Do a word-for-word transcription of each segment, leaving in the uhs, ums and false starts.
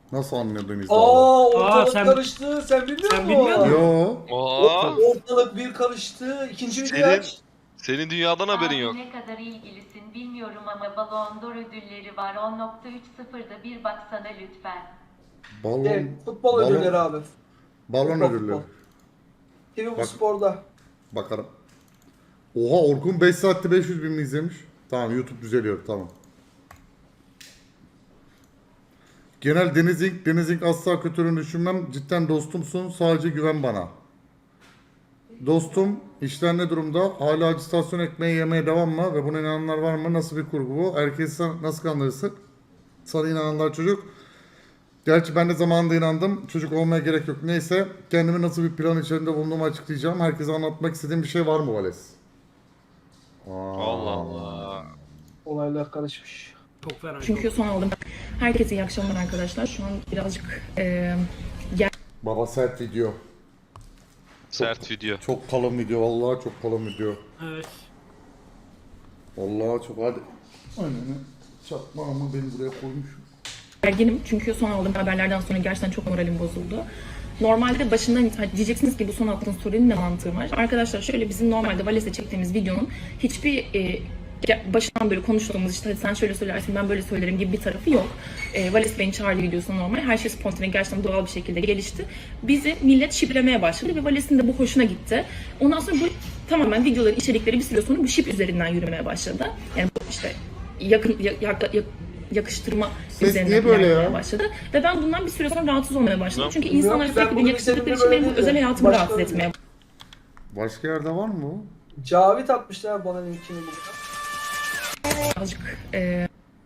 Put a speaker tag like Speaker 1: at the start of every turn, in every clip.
Speaker 1: Nasıl anladın izle?
Speaker 2: Aa ortalık
Speaker 3: sen-
Speaker 2: karıştı. Sen bilmiyor
Speaker 3: sen
Speaker 2: musun?
Speaker 3: bilmiyor musun?
Speaker 1: Yo.
Speaker 4: Aa,
Speaker 2: Ortalık bir karıştı. İkinci video
Speaker 4: Senin-
Speaker 2: aç.
Speaker 4: senin dünyadan haberin
Speaker 5: Abi
Speaker 4: yok.
Speaker 5: ne kadar ilgilisin bilmiyorum ama Ballon d'Or ödülleri var. on nokta üç sıfırda bir baksana lütfen.
Speaker 1: Balon.
Speaker 2: Evet, futbol
Speaker 1: balon-
Speaker 2: ödülleri abi.
Speaker 1: Balon
Speaker 2: Futbol,
Speaker 1: ödülleri.
Speaker 2: futbol. T V bu
Speaker 1: Bak.
Speaker 2: sporda.
Speaker 1: Bakarım. Oha Orkun beş saatte beş yüz bin mi izlemiş? Tamam YouTube düzeliyor tamam. Genel Deniz İnk, Deniz İnk asla kötülüğünü düşünmem. Cidden dostumsun. Sadece güven bana. Dostum, işler ne durumda? Hala acitasyon ekmeği yemeye devam mı? Ve buna inananlar var mı? Nasıl bir kurgu bu? Herkesi sen nasıl kandırırsın? Sana inananlar çocuk. Gerçi ben de zamanında inandım. Çocuk olmaya gerek yok. Neyse. Kendimi nasıl bir plan içerisinde bulunduğumu açıklayacağım. Herkese anlatmak istediğim bir şey var mı Vales? Aa.
Speaker 4: Allah Allah.
Speaker 2: Olaylar karışmış.
Speaker 3: Çok fena.
Speaker 6: Çünkü son aldım. Herkese iyi akşamlar arkadaşlar. Şu an birazcık e,
Speaker 1: Baba sert video.
Speaker 4: Sert video.
Speaker 1: Çok kalın video. Vallahi çok kalın video.
Speaker 3: Evet.
Speaker 1: Vallahi çok hadi. Ananı çakmağımı beni buraya koymuş.
Speaker 6: gerginim. Çünkü son aldığım haberlerden sonra gerçekten çok moralim bozuldu. Normalde başından itibaren diyeceksiniz ki bu son attığın story'nin ne mantığı var? Arkadaşlar şöyle bizim normalde Vales'e çektiğimiz videonun hiçbir e, ge- başından böyle konuştuğumuz işte sen şöyle söylersin ben böyle söylerim gibi bir tarafı yok. E, Vales beni çağırdı videosunda normal. Her şey spontane gerçekten doğal bir şekilde gelişti. Bizi millet şiplemeye başladı ve Vales'in de bu hoşuna gitti. Ondan sonra bu tamamen videoların içerikleri bir süre sonra bu şip üzerinden yürümeye başladı. Yani bu işte yakın ya- yak- yak- yakıştırma
Speaker 1: Ses
Speaker 6: üzerinden
Speaker 1: niye böyle
Speaker 6: ilerlemeye
Speaker 1: ya?
Speaker 6: başladı. Ve ben bundan bir süre sonra rahatsız olmaya başladım.
Speaker 4: Ne?
Speaker 6: Çünkü
Speaker 2: Bilmiyorum
Speaker 6: insanlar
Speaker 2: ki, ben
Speaker 6: sürekli
Speaker 2: bunu
Speaker 6: beni yakıştırdıkları için
Speaker 2: bilseydim
Speaker 6: benim bu
Speaker 2: böyle
Speaker 6: özel
Speaker 2: değildi.
Speaker 6: hayatımı
Speaker 2: Başka
Speaker 6: rahatsız
Speaker 2: öyle.
Speaker 6: etmeye
Speaker 1: Başka yerde var mı bu?
Speaker 2: Cavit atmışlar bana linkini bugün.
Speaker 6: birazcık e,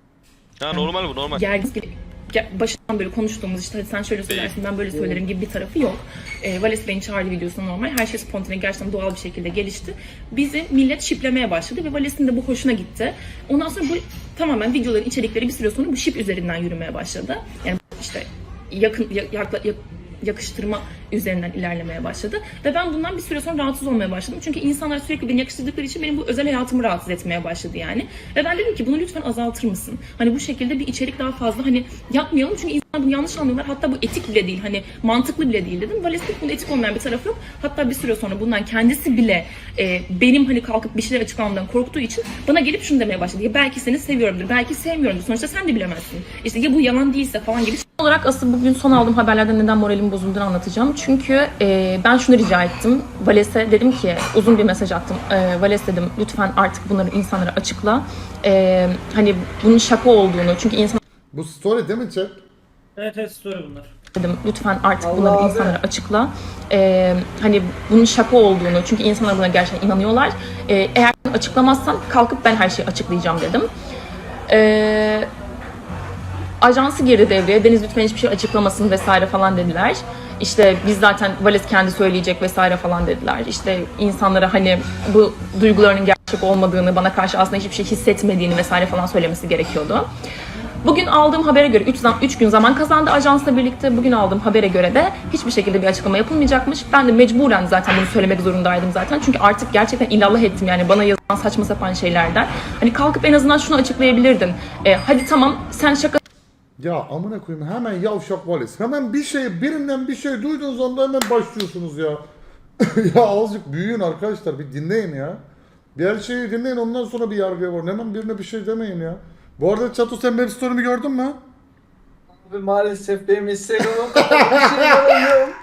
Speaker 4: Ha normal bu normal.
Speaker 6: gergin gibi ge- başından böyle konuştuğumuz işte hadi sen şöyle söylersin ben böyle söylerim gibi bir tarafı yok. E, Vales beni çağırdı videosunda normal. Her şey spontane gerçekten doğal bir şekilde gelişti. Bizi millet şiplemeye başladı ve Vales'in de bu hoşuna gitti. Ondan sonra bu tamamen videoların içerikleri bir süre sonra bu şip üzerinden yürümeye başladı. Yani işte yakın ya- yakla, yak- yakıştırma üzerinden ilerlemeye başladı. Ve ben bundan bir süre sonra rahatsız olmaya başladım. Çünkü insanlar sürekli beni yakıştırdıkları için benim bu özel hayatımı rahatsız etmeye başladı yani. Ve ben dedim ki bunu lütfen azaltır mısın? Hani bu şekilde bir içerik daha fazla hani yapmayalım. Çünkü insanlar bunu yanlış anlıyorlar. Hatta bu etik bile değil. Hani mantıklı bile değil dedim. Vales'in bunun etik olmayan bir tarafı yok. Hatta bir süre sonra bundan kendisi bile e, benim hani kalkıp bir şeyler açıklamamdan korktuğu için bana gelip şunu demeye başladı. Ya belki seni seviyorumdur, belki sevmiyorumdur. Sonuçta sen de bilemezsin. İşte ya bu yalan değilse falan gibi. Son olarak asıl bugün son aldığım haberlerden neden moralim bozulduğunu anlatacağım. Çünkü e, ben şunu rica ettim. Vales'e dedim ki uzun bir mesaj attım. E, Vales dedim lütfen artık bunları insanlara açıkla. E, hani bunun şaka olduğunu çünkü insan
Speaker 1: Bu story değil mi chat?
Speaker 3: Evet evet story bunlar.
Speaker 6: dedim lütfen artık
Speaker 2: Allah
Speaker 6: bunları
Speaker 2: abi.
Speaker 6: insanlara açıkla. E, hani bunun şaka olduğunu çünkü insanlar buna gerçekten inanıyorlar. E, eğer bunu açıklamazsan kalkıp ben her şeyi açıklayacağım dedim. E, Ajansı girdi devreye. Deniz lütfen hiçbir şey açıklamasın vesaire falan dediler. İşte biz zaten Vales kendi söyleyecek vesaire falan dediler. İşte insanlara hani bu duygularının gerçek olmadığını, bana karşı aslında hiçbir şey hissetmediğini vesaire falan söylemesi gerekiyordu. Bugün aldığım habere göre üç gün zaman kazandı ajansla birlikte. Bugün aldığım habere göre de hiçbir şekilde bir açıklama yapılmayacakmış. Ben de mecburen zaten bunu söylemek zorundaydım zaten. Çünkü artık gerçekten illallah ettim yani bana yazılan saçma sapan şeylerden. Hani kalkıp en azından şunu açıklayabilirdin. E, hadi tamam sen şaka
Speaker 1: Ya amına koyayım hemen yavşak Vales. Hemen bir şey birinden bir şey duyduğunuz anda hemen başlıyorsunuz ya. Ya azıcık büyüyün arkadaşlar bir dinleyin ya. Bir her şeyi dinleyin ondan sonra bir yargıya varın. Hemen birine bir şey demeyin ya. Bu arada Çato sen benim story'mi gördün mü?
Speaker 2: Abi maalesef benim Instagram'ım kapalı. Bir şey yapamıyorum.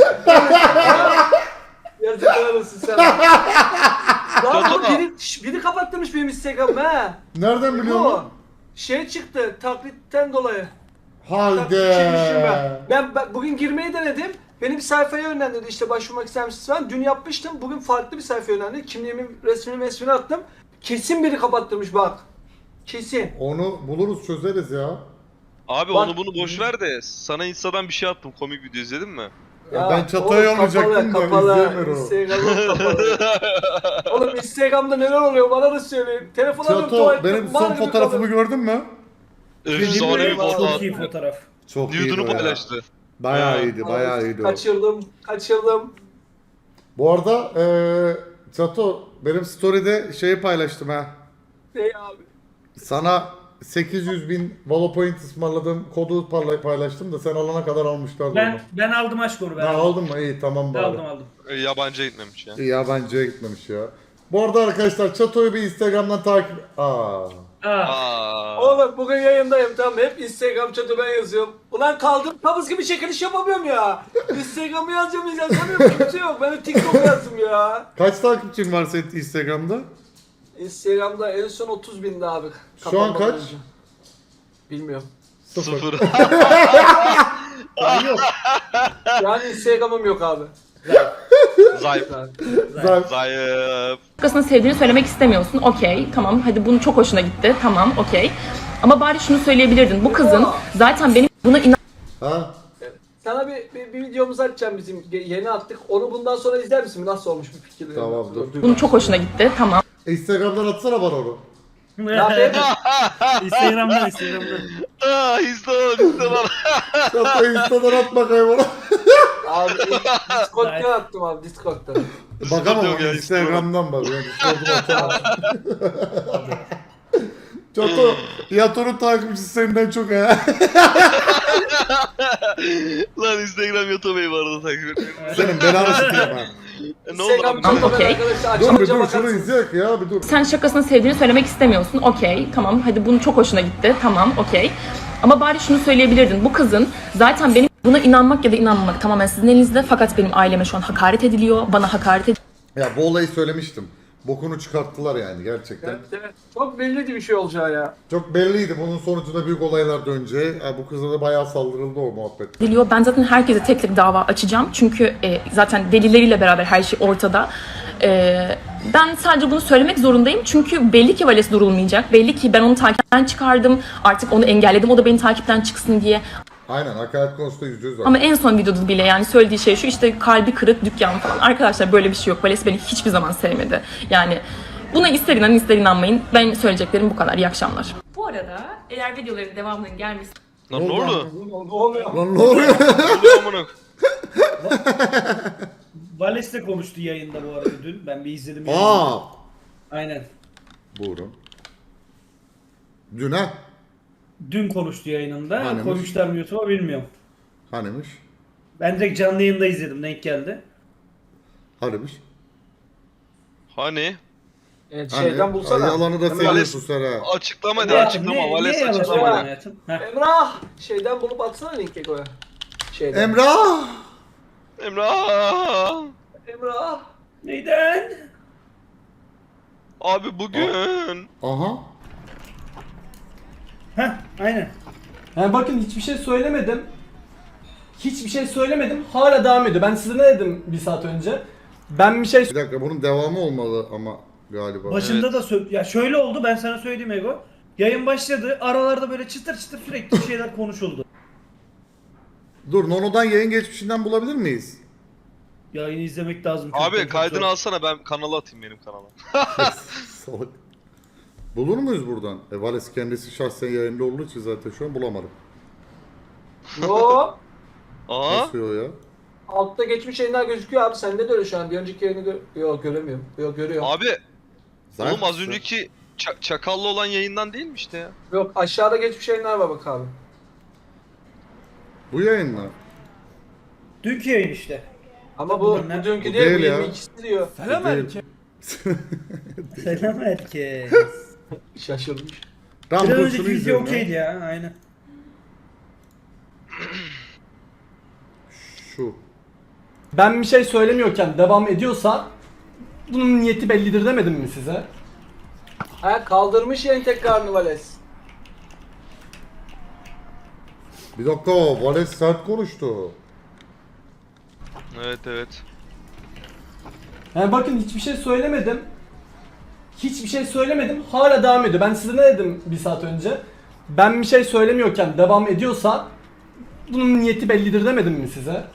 Speaker 2: Yazıklar olsun sana. Lan bu biri, şş, biri kapattırmış benim Instagram'ı ha.
Speaker 1: Nereden biliyorsun?
Speaker 2: Bu
Speaker 1: lan?
Speaker 2: şey çıktı taklitten dolayı.
Speaker 1: Haydi.
Speaker 2: Taklitçiymişim ben. Ben, ben bugün girmeyi denedim. Beni bir sayfaya yönlendirdi işte başvurmak ister misiniz falan. Dün yapmıştım. Bugün farklı bir sayfaya yönlendirdi. Kimliğimin resmini resmini attım. Kesin biri kapattırmış bak. Kesin.
Speaker 1: Onu buluruz çözeriz ya.
Speaker 4: Abi
Speaker 2: Bak-
Speaker 4: onu bunu boş ver de sana Insta'dan bir şey attım. Komik video izledin mi?
Speaker 1: Ya ben Çato'ya
Speaker 2: oğlum,
Speaker 1: yollayacaktım da
Speaker 2: kapalı,
Speaker 1: izleyemiyorum.
Speaker 2: Instagram'ım kapalı. Oğlum Instagram'da neler oluyor bana da söyleyin. Telefon alıyorum
Speaker 1: Çato
Speaker 2: tuvalette.
Speaker 1: benim
Speaker 2: mal
Speaker 1: son
Speaker 2: gibi
Speaker 1: fotoğrafımı
Speaker 2: kalıyor.
Speaker 1: gördün mü?
Speaker 4: Efsane bir
Speaker 2: Eyvallah.
Speaker 4: foto.
Speaker 3: Çok iyi fotoğraf.
Speaker 1: Çok iyiydi
Speaker 4: Nude'unu
Speaker 1: o ya.
Speaker 4: paylaştı.
Speaker 1: Bayağı
Speaker 4: Ha.
Speaker 1: iyiydi, bayağı iyiydi o.
Speaker 2: Kaçırdım, kaçırdım.
Speaker 1: Bu arada eee Çato benim story'de şeyi paylaştım ha.
Speaker 2: Ne abi?
Speaker 1: Sana sekiz yüz bin Valopoint ısmarladım. Kodu parla- paylaştım da sen alana kadar almışlardı
Speaker 3: Ben
Speaker 1: onu.
Speaker 3: ben aldım aşkoru ben.
Speaker 1: Ha,
Speaker 3: aldım.
Speaker 1: aldın mı? İyi tamam bari.
Speaker 3: Aldım aldım.
Speaker 4: E, Yabancıya gitmemiş ya.
Speaker 1: İyi yabancıya gitmemiş ya. Bu arada arkadaşlar Çato'yu bir Instagram'dan takip... Aa.
Speaker 3: Aa,
Speaker 4: Aa.
Speaker 2: Oğlum bugün yayındayım tamam hep Instagram chat'e ben yazıyorum. Ulan kaldım kabız gibi çekiliş yapamıyorum ya. Instagram'ı yazacağım yazamıyorum kimse yok. Ben de TikTok yazdım ya.
Speaker 1: Kaç takipçin var senin Instagram'da?
Speaker 2: Instagram'da en son otuz bindi abi.
Speaker 1: Şu an
Speaker 2: Kapanmadan
Speaker 1: kaç?
Speaker 2: önce. Bilmiyorum.
Speaker 4: Sıfır.
Speaker 3: yok.
Speaker 2: Yani Instagram'ım yok abi.
Speaker 4: Zayıf.
Speaker 1: Zaten
Speaker 4: Zayıf.
Speaker 6: Başkasına sevdiğini söylemek istemiyorsun. Okey, tamam. Hadi bunu çok hoşuna gitti. Tamam, okey. Ama bari şunu söyleyebilirdin. Bu kızın zaten benim buna inan
Speaker 1: ha?
Speaker 2: Sana bir, bir, bir videomuzu açacağım bizim Ge- yeni attık. Onu bundan sonra izler misin? Nasıl olmuş bir fikir?
Speaker 1: Tamam, dur.
Speaker 6: bunun çok hoşuna gitti. Tamam.
Speaker 1: Instagram'dan atsana bana onu.
Speaker 3: Instagram'dan Instagram'dan.
Speaker 4: Aa, Instagram, Instagram.
Speaker 1: Çato Insta'dan at bakayım ona.
Speaker 2: Abi Discord'dan attım abi Discord'dan.
Speaker 1: Bakamam
Speaker 4: yok ya,
Speaker 1: Instagram'dan bak. Yani Discord'dan atamam. Çato, Yato'nun takipçisi senden çok ha.
Speaker 4: Lan Instagram YouTube'yu bu arada takip etmiyorum.
Speaker 1: Senin belanı sikeyim ha.
Speaker 4: E, ne oldu
Speaker 2: Instagram
Speaker 4: abi?
Speaker 6: Tamam,
Speaker 2: chat'e
Speaker 6: okey.
Speaker 2: arkadaşlar
Speaker 1: Dur bir
Speaker 2: açınca
Speaker 1: dur şunu
Speaker 2: bakarsın.
Speaker 1: izleyek ya bir dur.
Speaker 6: Sen şakasına sevdiğini söylemek istemiyorsun. Okey, tamam. Hadi bunu çok hoşuna gitti. Tamam, okey. Ama bari şunu söyleyebilirdin. Bu kızın zaten benim buna inanmak ya da inanmamak tamamen sizin elinizde. Fakat benim aileme şu an hakaret ediliyor. Bana hakaret ediliyor.
Speaker 1: Ya bu olayı söylemiştim. Bokunu çıkarttılar yani gerçekten.
Speaker 2: Evet, evet. Çok belliydi bir şey olacağı ya.
Speaker 1: Çok belliydi bunun sonucunda büyük olaylar döneceği. Ha, bu kıza da bayağı saldırıldı o muhabbet.
Speaker 6: Ediliyor. Ben zaten herkese tek tek dava açacağım. Çünkü e, zaten delilleriyle beraber her şey ortada. E, ben sadece bunu söylemek zorundayım. Çünkü belli ki Vales durulmayacak. Belli ki ben onu takipten çıkardım. Artık onu engelledim. O da beni takipten çıksın diye.
Speaker 1: Aynen hakaret konusunda yüzde yüz var.
Speaker 6: Ama en son videoda bile yani söylediği şey şu, işte kalbi kırık dükkan falan. Arkadaşlar böyle bir şey yok. Vales beni hiçbir zaman sevmedi. Yani buna ister inanın ister inanmayın. Benim söyleyeceklerim bu kadar. İyi akşamlar. Bu arada eğer videoların devamının gelmesi
Speaker 4: Lan ne oldu?
Speaker 2: Ne oluyor?
Speaker 1: Lan ne oluyor?
Speaker 4: Ne oluyor amına?
Speaker 3: Vales de konuştu yayında bu arada dün. Ben bir izledim. yayını.
Speaker 1: Aa!
Speaker 3: Aynen.
Speaker 1: Buyurun. Dün ha?
Speaker 3: Dün konuştu yayınında.
Speaker 1: Hanemiş.
Speaker 3: Koymuşlar mı YouTube'a bilmiyorum.
Speaker 1: Hanimiş?
Speaker 3: Ben direkt canlı yayında izledim. Denk geldi.
Speaker 1: Hanimiş?
Speaker 4: Hani?
Speaker 2: Evet,
Speaker 1: Hani?
Speaker 2: şeyden bulsana.
Speaker 1: Ay, yalanı da
Speaker 2: Emrah.
Speaker 1: söylüyorsun sen ha.
Speaker 4: Açıklama de
Speaker 3: Ya,
Speaker 4: açıklama.
Speaker 3: niye-
Speaker 4: Vales
Speaker 3: niye yalan
Speaker 4: açıklama
Speaker 3: söylüyorsun
Speaker 4: de.
Speaker 3: hayatım? Heh.
Speaker 2: Emrah! Şeyden bulup atsana linki koya. Şeyden.
Speaker 1: Emrah!
Speaker 4: Emrah!
Speaker 2: Emrah!
Speaker 3: Neyden?
Speaker 4: Abi bugün.
Speaker 1: Aha.
Speaker 3: Heh, aynen.
Speaker 7: Yani bakın hiçbir şey söylemedim. Hiçbir şey söylemedim. Hala devam ediyor. Ben size ne dedim bir saat önce? Ben bir şey
Speaker 1: Bir dakika bunun devamı olmalı ama galiba.
Speaker 3: Başında da sö- ya şöyle oldu, ben sana söyleyeyim Ego. Yayın başladı. Aralarda böyle çıtır çıtır sürekli şeyler konuşuldu.
Speaker 1: Dur Nono'dan yayın geçmişinden bulabilir miyiz?
Speaker 3: Yayını izlemek lazım. çok da
Speaker 4: Abi
Speaker 3: çok
Speaker 4: kaydını
Speaker 3: zor.
Speaker 4: alsana ben kanala atayım benim kanala.
Speaker 1: Salak. Bulur muyuz buradan? E Vales kendisi şahsen yayında olduğu için zaten şu an bulamadım.
Speaker 2: Yo!
Speaker 4: Aa?
Speaker 1: Nasıl o ya?
Speaker 2: Altta geçmiş yayınlar gözüküyor abi. Sende de öyle şu an. Bir önceki yayını gö Yok göremiyorum. Yok görüyorum.
Speaker 4: Abi
Speaker 1: Zaten
Speaker 4: oğlum az önceki ça- çakallı olan yayından değil mi işte ya?
Speaker 2: Yok aşağıda geçmiş yayınlar var bak abi.
Speaker 1: Bu yayın mı?
Speaker 3: Dünkü yayın işte.
Speaker 2: Ama bu,
Speaker 3: Bunlar ne?
Speaker 2: bu dünkü
Speaker 1: Bu
Speaker 2: değil,
Speaker 1: değil
Speaker 2: bu
Speaker 1: ya.
Speaker 2: yirmi ikisi diyor.
Speaker 7: Selam
Speaker 1: Değil.
Speaker 7: erkek.
Speaker 3: Selam herkes.
Speaker 2: Şaşırmış.
Speaker 1: Tamam
Speaker 3: Biraz
Speaker 1: dur
Speaker 3: önceki
Speaker 1: şunu
Speaker 3: video
Speaker 1: izleyelim
Speaker 3: okeydi
Speaker 1: ya.
Speaker 3: ya, aynen.
Speaker 1: Şu.
Speaker 7: Ben bir şey söylemiyorken devam ediyorsa bunun niyeti bellidir demedim mi size?
Speaker 2: Ha kaldırmış yayın tekrarını Vales.
Speaker 1: Bir dakika Vales sert konuştu.
Speaker 4: Evet evet.
Speaker 7: Yani bakın hiçbir şey söylemedim. Hiçbir şey söylemedim. Hala devam ediyor. Ben size ne dedim bir saat önce? Ben bir şey söylemiyorken devam ediyorsa bunun niyeti bellidir demedim mi size?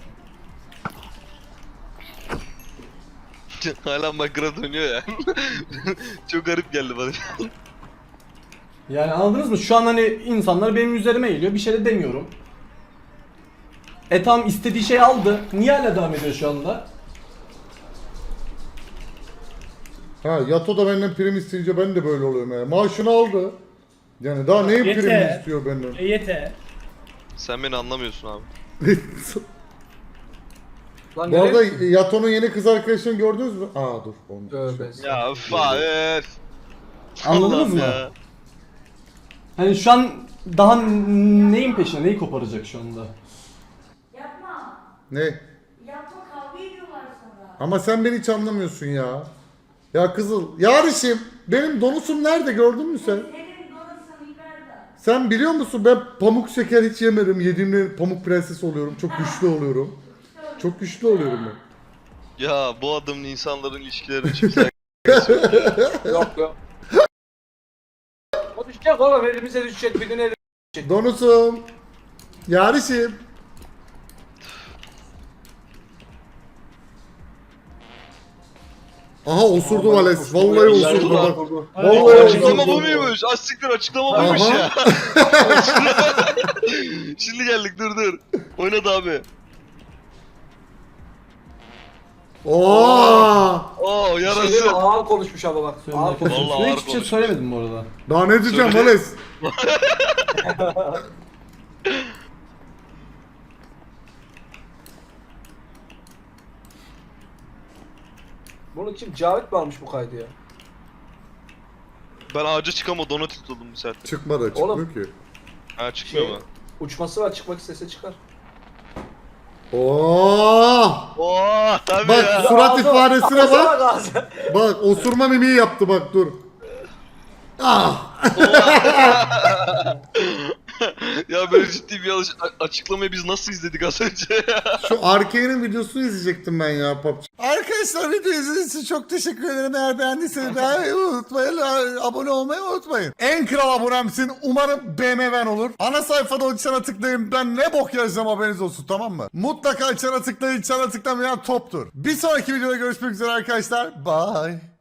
Speaker 4: Hala makara dönüyor ya. Çok garip geldi bana.
Speaker 7: Yani anladınız mı? Şu an hani insanlar benim üzerime geliyor. Bir şey de demiyorum. E tamam istediği şeyi aldı. Niye hala devam ediyor şu anda?
Speaker 1: Ha Yato da benden prim isteyince ben de böyle oluyorum ya. Maaşını aldı. Yani daha neyin
Speaker 3: Yeter.
Speaker 1: primini istiyor benden?
Speaker 3: E yeter.
Speaker 4: Sen beni anlamıyorsun abi.
Speaker 2: Lan
Speaker 1: Bu
Speaker 2: nereye-
Speaker 1: arada Yato'nun yeni kız arkadaşını gördünüz mü? Aa dur. Onu.
Speaker 2: Tövbe.
Speaker 4: Ya üf abi.
Speaker 7: Anladınız
Speaker 4: Allah'ım
Speaker 7: mı?
Speaker 4: ya.
Speaker 7: Hani şu an daha n- neyin peşinde, neyi koparacak şu anda?
Speaker 8: Yapma.
Speaker 1: Ne?
Speaker 8: Yapma, kavga ediyorlar sonra.
Speaker 1: Ama sen beni hiç anlamıyorsun ya. Ya Kızıl, yarışım. Benim donusum nerede gördün mü sen?
Speaker 8: Senin donasın yukarıda.
Speaker 1: Sen biliyor musun ben pamuk şeker hiç yemedim. Yediğimde pamuk prenses oluyorum. Çok güçlü oluyorum. Çok güçlü oluyorum ben.
Speaker 4: Ya bu adamın insanların ilişkilerini çiftler.
Speaker 2: Yok yok. O düşecek oğlum, elimize düşecek bir gün elimize.
Speaker 1: Donusum. Yarışım. Aha osurdu Vales. Vallahi osurdu bak. Vallahi
Speaker 4: Açıklama bu
Speaker 1: osurdu.
Speaker 4: muymuş? Az siktir açıklama buymuş
Speaker 1: Aha.
Speaker 4: ya. Şimdi geldik dur dur. Oynadı abi.
Speaker 1: Oo!
Speaker 4: Oo
Speaker 2: Şey,
Speaker 4: yarası.
Speaker 2: ağır konuşmuş ama bak.
Speaker 7: Söyle
Speaker 2: Ağır konuşmuş.
Speaker 4: Vallahi
Speaker 7: Söyle,
Speaker 4: ağır
Speaker 7: hiçbir şey
Speaker 4: konuşmuş.
Speaker 7: söylemedim bu arada.
Speaker 1: Daha ne diyeceğim
Speaker 4: Söyle.
Speaker 1: Vales?
Speaker 2: Bunu kim? Cavit mi almış bu kaydı ya?
Speaker 4: Ben ağaca çıkama donut tutuldım bu saatte.
Speaker 1: Çıkmadı çıkmıyor
Speaker 2: Oğlum.
Speaker 1: ki.
Speaker 4: Ha çıkmıyor
Speaker 2: Şey,
Speaker 4: mu?
Speaker 2: uçması var, çıkmak istese çıkar.
Speaker 1: Oo!
Speaker 4: Oo tabii
Speaker 1: Bak
Speaker 4: ya.
Speaker 1: surat
Speaker 2: Ağzı-
Speaker 1: ifadesine
Speaker 2: ağzı
Speaker 1: bak.
Speaker 2: ağzı.
Speaker 1: Bak osurma mimiği yaptı bak dur. Ah!
Speaker 4: Ya böyle ciddi bir alış- a- açıklamayı biz nasıl izledik az önce?
Speaker 1: Şu Arkane'in videosunu izleyecektim ben ya P U B G. Arkadaşlar video izlediğiniz için çok teşekkür ederim. Eğer beğendiyseniz beğenmeyi unutmayın. Abone olmayı unutmayın. En kral abonemsin. Umarım B M W'n olur. Ana sayfada o çana tıklayın. Ben ne bok yazacağım haberiniz olsun, tamam mı? Mutlaka çana tıklayın. Çana tıklamayan toptur. Bir sonraki videoda görüşmek üzere arkadaşlar. Bye.